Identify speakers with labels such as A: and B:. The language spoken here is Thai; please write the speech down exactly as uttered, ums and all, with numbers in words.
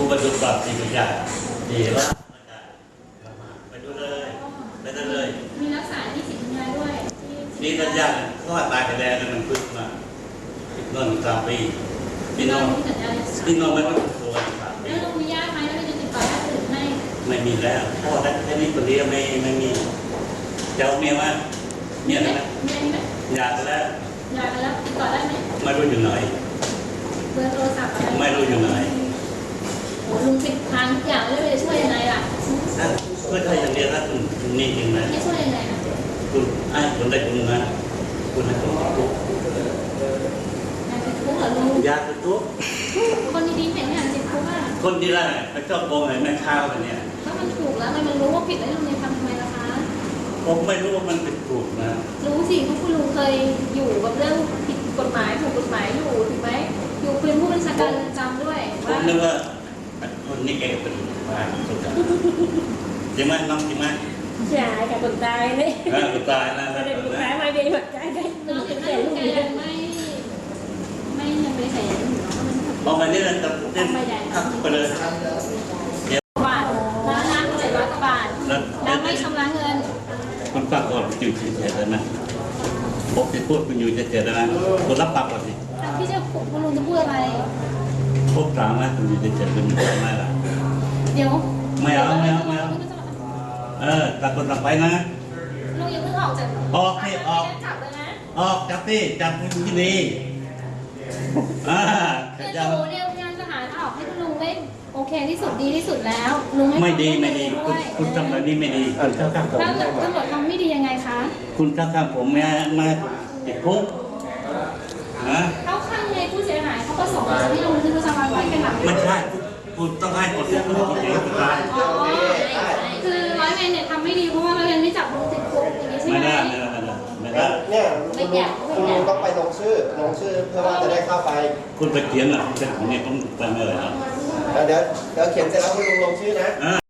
A: ผู้บรรจุปรับสี่ปัญญาดีว่าไปดูเลยไปดูเลย
B: มีรักษาที่สิทธิ์ปัญญาด้วย
A: นี่ปัญญาเขาว่าตายไปแล้วมันพึ่งมาเงินสามปีพี่น้องพี่น้องไม่ต้องตัวสามปี
B: แล้วเรามีญาติไหมแล้วจะติดต่อญาติอื่นให้
A: ไม่มีแล้วพ่อแค่นี้คนเดียวไม่ไม่มีเจ้าเมียว่าเมียนะ
B: เมียไหม
A: อยากแล้ว
B: อยากแล้วติดต่อได้ไหม
A: ไม่รู้อยู่ไหน
B: เบอร์โทรศัพท์อะไร
A: ไม่รู้อยู่ไหน
B: โอ้ลุงติดทางทุกอย่างแล้วจะช่วยยังไงล่ะ
A: เพื่อใครอย่างเดียวนะคุณนี่จริงไหม
B: ไม่ช่วยยังไงนะ
A: คุณไอ้คนได้คุณนะคุณให้คนทุก
B: อยากติดคุกเหรอลุง
A: อยากติดคุก
B: คนดีๆเห็นอยากติดคุกอ่ะ
A: คนดีละไปชอบโกงไอ้แม่ข้าวแบบนี้
B: ถ้ามันถูกแล้วมันรู้ว่าผิดแล้วลุงจะทำทำไมล่ะคะ
A: ผมไม่รู้ว่ามันผิดถูกนะ
B: รู้สิเพราะคุณลุงเคยอยู่กับเรื่องผิดกฎหมายถูกกฎหมายอยู่ถูกไหมอยู่เป็นผู้บัญชาการเรือนจำด้วย
A: ผมนึกว่าคนนี้แกเป็นบ้าสุดยอดจริงไหมน้องจริงไหม
C: ใช่กับคนตายนี่
A: คนตายนะ
C: คนตายมาเป็นหัวใจได้
B: น้องเป็นลูกแกไม่ไม่ยังไม่ใส่
A: พอมาเนี่ยเราจะทักไปเลย
B: บาทร้านร้านเจ็ดร้อยกว่าบาทแล้วไม่ชำระเงิน
A: คุณฝากก่อนอยู่เฉยๆเลยนะผมจะพูดคุณอยู่เฉยๆเลยนะคุณรับปากก่อนสิ
B: พี่จะคุณลุงจะพูดอะไร
A: พบถามนะคุณอยู่เฉยๆคุณทำไมล่ะ
B: เดี๋ยว
A: ไม่เอาไม่เอาไม่เอาเออตัดคนตัดไปนะ
B: ลุงยังเพิ่งออกจาก
A: ออกที่ออก
B: จับเลยนะ
A: ออกจับที่จับคุณที่ดีอ่า
B: คือดูเนี่ยงานทหารออกให้คุณลุงได้โอเคที่สุดดีที่สุดแล้วลุง
A: ไม่ดีไม่ดีคุณคุณทำแบบนี้ไม่ดีคุณเข้าข้างผม
B: ถ้าตำรวจทำไม่ดียังไงคะ
A: คุณเข้าข้างผมมามาติดคุกฮะ
B: เข้าข้างในผู้เสียหายเขาก็ส่งมาที่ลุงคือประชาชนไว้กันหลัง
A: ไม่ใช่คุณต้องให้คนที่คุณคนเดียวคุณตาย
B: อ๋อคือร้อยเวรเนี่ยทำไม่ดีเพราะว่าร้อยเวรไม่จับลุงติดคุกอย่างนี้ใช่ไหม
A: ไม่ได้ไม่ได้ไม่ได้
D: เนี่ยคุณลุงต้องไปลงชื่อลงชื่อเพื่อว่าจะได้เข้าไป
A: คุณไปเขียนอ่ะคุณจะของเนี่ยต้องไปเมื่อไหร่ครับ
D: เดี๋ยวเดี๋ยวเขียนเสร็จแล้วคุณลุงลงชื่อนะ